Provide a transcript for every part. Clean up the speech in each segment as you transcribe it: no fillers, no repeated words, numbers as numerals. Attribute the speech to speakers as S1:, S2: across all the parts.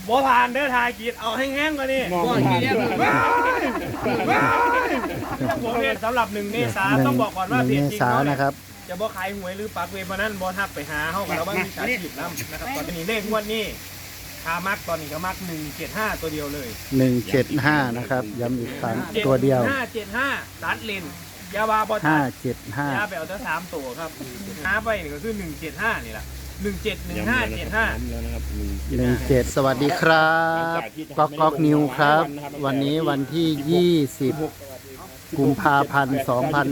S1: บ่ผ่านเด้อทายกีดเอาให้แห้งกว่านี้ผมเนี่ยสำหรับ1 เมษาต้องบอกก่อนว่าเพจจริง
S2: นะครับ
S1: จะบ่ขายหวยหรือปักเวบนั้นบ่ทักไปหาเฮากันแล้วว่ามีสาชีพนำนะครับตอนนี้เลขงวดนี้คามักตอนนี้ก็มัก175ตัวเดียวเลย
S2: 175นะครับย้ำอีกครั้งตัวเดียว
S1: 575ตัดเลนยาบาบอตัดยาแบบทั้ง3ตัวครับหาไปนี่ก็คือ175นี่แหละ
S2: 17สวัสดีครับก๊อกนิวครับวันนี้วันที่20กุมภาพันธ์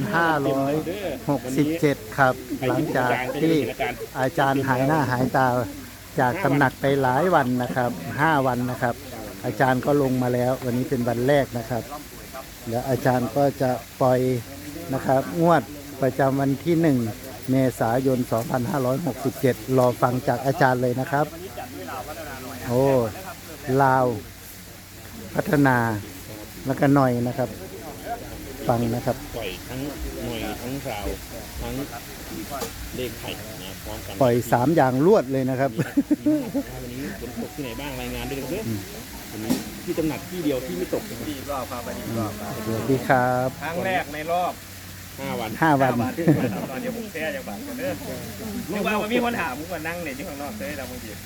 S2: 2567ครับหลังจากที่อาจารย์หายหน้าหายตาจากตำหนักไปหลายวันนะครับ5 วันนะครับอาจารย์ก็ลงมาแล้ววันนี้เป็นวันแรกนะครับเดี๋ยวอาจารย์ก็จะปล่อยนะครับงวดประจำวันที่1 เมษายน 2567รอฟังจากอาจารย์เลยนะครับโอ้ลาวพัฒนาแล้วก็หน่อยนะครับฟังนะครับ
S3: ปล่อยทั้งหน่อยทั้งราวทั้งเลขไข่นะพร้อมกัน
S2: ปล่อย3 อย่างรวดเลยนะครับ
S3: วันนี้ฝนตกที่ไหนบ้างรายงานด้วยนะครับวันนี้ที่ตำหนักที่เดียวที่ไม่ตก
S1: ดีรอบครับดีรอบ
S2: สวัสดีครับ
S1: ครั้งแรกในรอบ
S3: 5 วัน
S1: ตอนเดี๋ยวผมแก้จากบ้านกันเด้อนึกว่ามีคนถามผมก็นั่งเนี่ยที่ข้างนอกได้แล้วบางที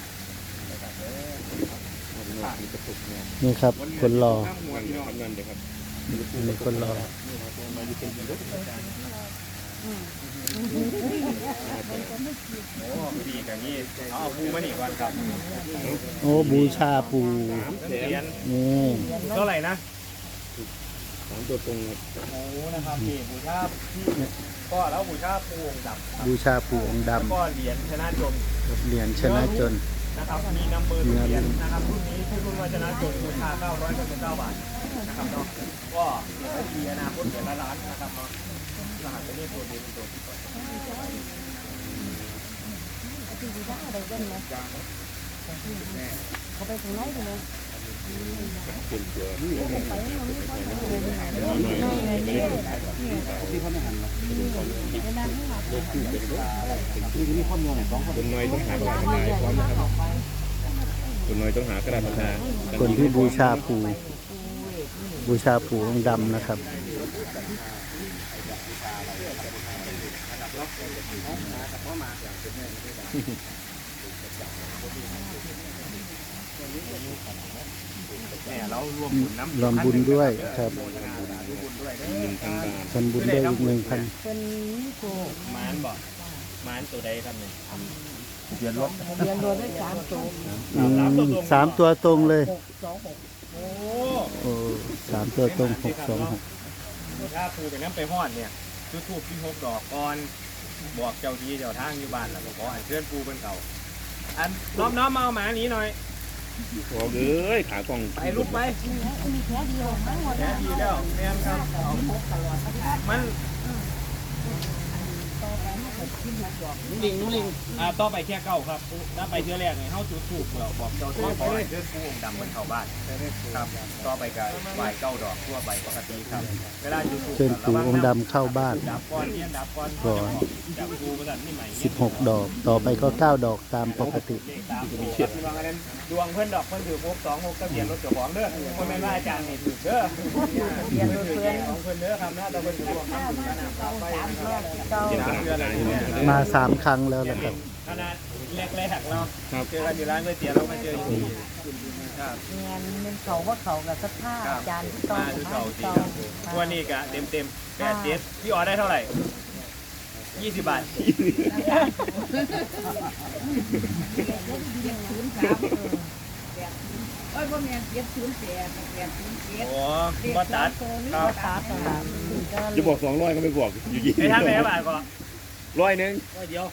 S2: นี่ครับคนรอมีคนรอ
S1: โอ้ดีกันนี่เอาปูมาหนีก่อนครับ
S2: โอ้บูชาปู
S1: นี่เท่าไหร่นะ
S3: 3 ตัวตรง
S1: โอ้นะครับนี่บูชาก็แล้วบูชาปูองค์ดำ
S2: บูชาปูองค์ดำ
S1: ก็เหรียญชนะจน
S2: เหรียญชนะจน
S1: นะครับมีนัมเบอร์เหรียญนะครับรุ่นนี้ที่รุ่นว่าชนะจนราคา999 บาทนะครับเนาะก็เหรียญดีอนาคตเหรียญละล้านนะครับเนาะรหัสตัวนี้ตัวเดียวตัวที่
S4: เขาไปถึงไหนเลย
S3: คนน้อยต้องหากระดาษปากกาพร้อมนะครับคนน้อยต้องหากระดาษปากกา
S2: คนที่บูชาปูองค์ดำนะครับ
S1: เนี่ยเรารวมบุญน้ำ
S2: รวมบุญด้วยครับทำบุญได้อีก1,000
S4: เป็นโก
S1: มานบอกมานตัวใดครับเนี่ย
S4: เรียนรถได้3 ตัว
S2: 3 ตัวตรงเลย
S1: โอ้
S2: 3 ตัวตรง626
S1: ถ้าปูไปน้ำไปฮอดเนี่ยจุดทูบที่6 ดอกก่อนบอกเจ้าที่เจ้าทางอยู่บ้านแล้วก็ขออัญเชิญปูเป็นเขาอันน้อมมาเอาหมาหนีหน่อย
S3: โอ้เอ้ยขากล่อง
S1: ไปลุกไป
S4: มีแค่เดียวทั้งหมด
S1: แค่ดีแล้วแม่ครับมันนุ่งลิงต่อไปแค่9ครับถ้าไปเทื่อแรกเนี่ยเฮาจุดทูบเราบอกเจ้าที่ขอให้เชิญปูองค์ดำบนเข้าบ้านครับต่อไปก็ไหว้9 ดอกทั่วไปปกติครับเวลาจุดทูบ
S2: เชิญปูองค์ดำเข้าบ้าน
S1: ดับก้อนเนี่ยดับก้อน
S2: ก่อน
S1: ดับปูประดับนี่ใหม่
S2: 16 ดอกต่อไปก็9 ดอกตามปกติ
S1: ดวงเพื่อนดอกเพื่อนถือ626ทะเบียนรถเจ้าของเด้อคนแม่นว่าอาจารย์นี่ถือเด้อทะเบียนรถเพื่อนของเพื่อนเด้อครับนะแต่เพื่อนถือดวงทำบุญกันนะครับไป
S2: มา3 ครั้งแล้วนะครับ
S1: ขนาดแรกๆเนาะเจอกันอยู่ร้านก๋วยเตี๋ยวเรามาเจออยู่ที่
S4: ครับเงินเขาว่าเขากับสักผ้าอาจารย์ที่ต่อ
S1: มาเก่าจริงวันนี้กะเต็ม87พี่อ๋อได้เท่าไหร่20 บาท
S4: โอ้ยพ่อแม่708
S1: โอ้ก็ตัด
S3: จะบอก200ก็ไม่บอกอยู่ยี่
S1: ให้ท่านไหนบาทก่อน
S3: 100
S1: เดียว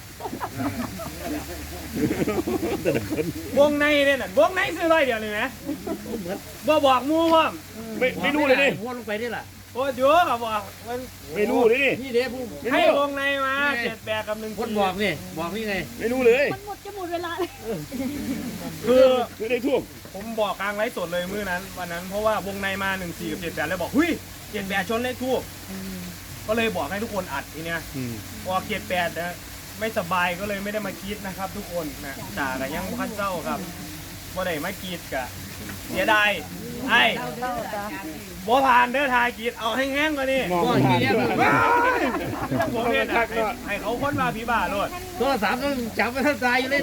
S1: วงในเนี่ยน่ะวงในซื้อ100 เดียวเลยไหมบ่บอกมูว่า
S3: ไม่รู้เลยดิ
S1: วนลงไปได้ล่ะโอ้เยอะกับบอกมัน
S3: ไม่รู้เลยดิ
S1: นี่เด้ผู้ให้วงในมา78กับ1คน
S5: บอกนี่ไง
S3: ไม่รู้เลย
S4: มันหมดเวลา
S1: คือ
S3: ไม่ได้ทุก
S1: ผมบอกกลางไลฟ์สดเลยมื้อนั้นวันนั้นเพราะว่าวงในมา14กับ78แล้วบอกหุ้ย78ชนเลขทูบก็เลยบอกให้ทุกคนอัดทีเนี้ยพอ78นะไม่สบายก็เลยไม่ได้มาคิดนะครับทุกคนนะจ่ากับยังพันเจ้าครับบ่ได้มากรีดกะเสียดายไอ้
S4: เต้าจ้ะ
S1: บ่ผ่านเด้อทายกรีดเอาให้แห้งกว่านี้
S3: มองไม่เห็น
S1: ผมเนี่ยนะให้เขาค้นมาพี่บ้าโลด
S3: โทรศัพท์ต้องจับไว้ท่านตายอยู่เลย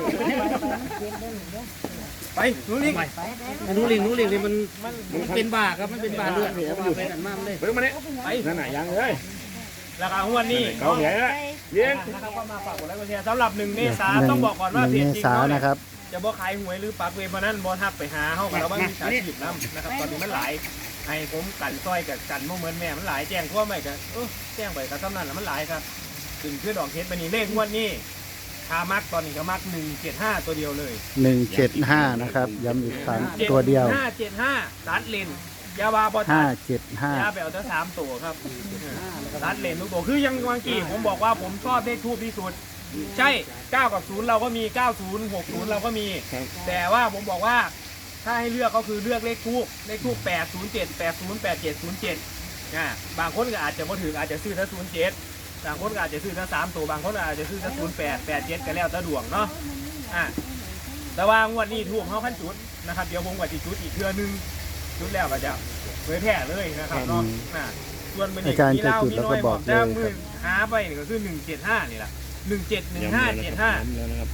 S1: ไปหนูลิง
S3: นูลิงนี่มันเป็นบ้าครับมันเป็นบ้าเลือดเหนียวอยู่ไปกันมากเลยเพิ่งมาเนี่ย
S1: ไป
S3: นั่นไหนยังเลย
S1: แล้วก็วันนี้
S3: เขาใหญ่ละเย็น
S1: นะครับก็มาฝากกดไลค์กดแชร์สำหรับ1 เมษาต้องบอกก่อนว่า
S2: 1
S1: เพ
S2: เม
S1: จจริง
S2: ษายน
S1: เนาะ
S2: นะครับ
S1: จะบ่ขายหวยหรือปักเวฟนั้นบ่ทักไปหาเฮากับเราบ้างมีสาชีพนํนะครับตอนนี้มันหลายให้ผมกันซอยกับกันบ่เหมือนแม่มันหลายแจ้งทั่วไปก็แจ้งไปก็ซ้ำนั้นแล้วมันหลายครับถึงคือดอกเฮ็ดไปนี่เลขงวดนี้คามักตอนนี้ก็มัก175ตัวเดียวเลย
S2: 175นะครับย้ำอีกครั้งตัวเดียว
S1: 575ตัดเลนยาวาบ่ตัดยาไปเอาแต่3ตัวครับตัดเลนทุกตัวคือยังเมื่อกี้ผมบอกว่าผมชอบเลขทูปที่สุดใช่9กับ0เราก็มี90 60เราก็มี แต่ว่าผมบอกว่าถ้าให้เลือกก็คือเลือกเลขทูป807 80 87 07บางคนก็อาจจะบ่ถึงอาจจะซื้อถ้า07บางคนก็อาจจะซื้อถ้า3ตัวบางคนอาจจะซื้อถ้า08 87ก็แล้วแต่ดวงเนาะแต่ว่างวดนี้ทูปเฮาคันจุดนะครับเดี๋ยวผมก็สิจุดอีกเทื่อนึงจุดแล้วก็จะเผยแพร่เลยนะครับเนาะส่วนมื้อนี้มีเล่ามีน้อยบอกแต่มือหาไปนี่ก็คือ175นี่ล่ะ171575
S3: แล้วนะครับ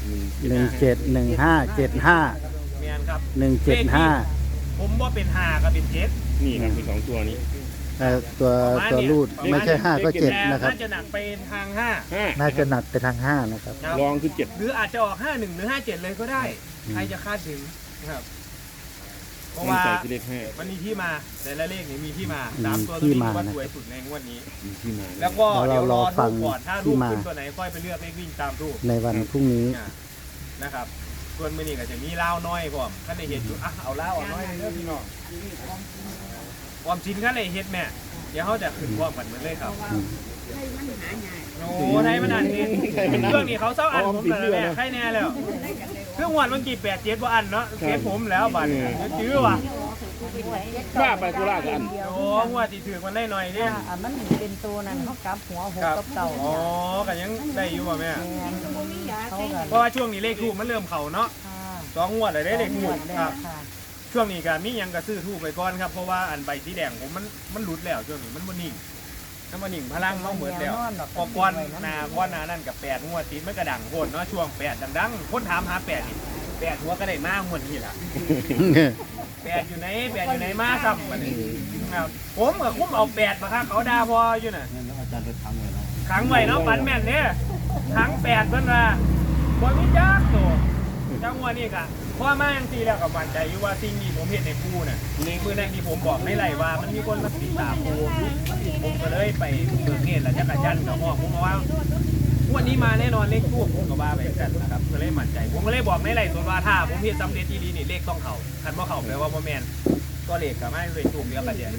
S2: 171575
S1: แมนครับ
S2: 175
S1: ผมว่าเป็น5กับเป็น7
S3: นี่ครับมี2ตัวนี้
S2: ตัวรูดไม่ใช่5ก็7นะครับ
S1: น่าจะหนักไปทาง5
S2: น่าจะหนักไปทาง5นะครับ
S3: ลองคือ7
S1: หรืออาจจะออก51หรือ57เลยก็ได้ ใครจะคาดถึงนะครับเพราะว่า
S3: ใส่ที่เลข5
S1: มันมีที่มาแต่ละเลขนี่มีที่มา3ตัวนี้ว่าสวยสุดในงวดนี้
S3: มีที่มา
S1: แล้วก็
S2: แล้ว
S1: เดี๋ยวร
S2: เรา
S1: อ
S2: รอฟั
S1: รู
S2: ง
S1: ปก่อนถ้า
S2: ที่
S1: รูป
S2: มา
S1: ขึ้นตัวไหนค่อยไปเลือกเลขวิ่งตามรูป
S2: ในวันพรุ่งนี้
S1: นะครับส่วนมื้อนี้ก็จะมีเล่าน้อยพร้อมคันได้เห็นอยู่เอาเล่าอ่อนน้อยเด้อพี่น้องความจริงคันได้เฮ็ดแม่เดี๋ยวเขาจะขึ้นพร้อมกันเหมือนเลยครับโอ้ไทยมันอ่านนี่เครื่องนี้เขาเศร้าอันผมเลยแม่ใครแน่แล้วเครื่องวันเมื่อกี้87บ่อันเนาะเก็บผมแล้วบัดนี้จื้อว่ะ
S3: บ้าไปกุล่ากัน
S1: โอ้งวดที่ถือมันได้หน่อยเนี่ย
S4: มันเป็นตัวนั้นเขากลับหัวหกกับเก่า
S1: อ๋อกันยังได้อยู่ป่ะแม่
S4: เขากัน
S1: เพราะว่าช่วงนี้เลขทูบมันเริ่มเข่าเนาะ2 งวดเลยได้เลขทูบครับช่วงนี้ก็มียังกระซื้อทูบไปก่อนครับเพราะว่าอันใบสีแดงผมมันหลุดแล้วช่วงนี้มันบ่นิ่งพลังเราเหมือนแล้วพอก้อนหนานั่นกับ8 งวดติดมันกระดังโคตรเนาะช่วง8ดังๆคนถามหา8นี่8หัวก็ได้มากเหมือนนี่แหละ8อยู่ไหนมาซ้ำบัดนี้ครับผมกับคุ้มเอา8มาครับเขาด่าพออยู่น่ะขังไว้เนาะปันแม่นเนี่ยขัง8เพิ่นว่าบ่มีจักตัวจังหวะนี้ก็พอมาจังซี่แล้วก็มั่นใจอยู่ว่าสิ่งที่ผมเห็นในปูน่ะในมื้อนั้นที่ผมบอกในไร่ว่ามันมีคนมาติดตามปูผมก็เลยไปเบิกเนตรแล้วจักรจันทร์กับพ่อผมบอกว่าวันนี้มาแน่นอนเลขทูบผมก็ว่าไปกันนะครับก็เลยมั่นใจผมก็เลยบอกในไร่ส่วนว่าถ้าผมเฮ็ดสำเร็จที่ดีนี่เลขต้องเข้าคันบ่เข้าแปลว่าบ่แม่นก็เลขก็ไม่เลขทูบเดียวกันเด้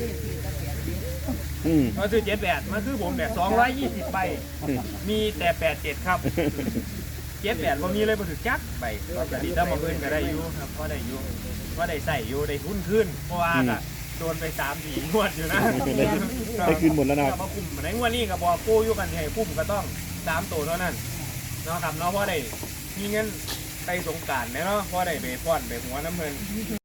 S1: มาซื้อ78มาซื้อผมเนี่ย220ใบมีแต่87ครับ78บ่มีเลยบ่ถึงจักใบก็จะดีถ้าบ่เพิ่นก็ได้อยู่ครับก็ได้อยู่ก็ได้ใส่อยู่ได้ทุนขึ้นเพราะว่าก็โดนไป3-4 งวดอยู่นะ
S3: ได้คืนหมดแล้วนะ
S1: มาคุมในงวดนี้ก็บอกกู้อยู่กันให้คุ้มก็ต้อง3 ตัวเท่านั้นเนาะครับเนาะเพราะได้มีเงินไปสงกรานต์เนาะเพราะได้ไปป้อนไปหัวน้ำเงิน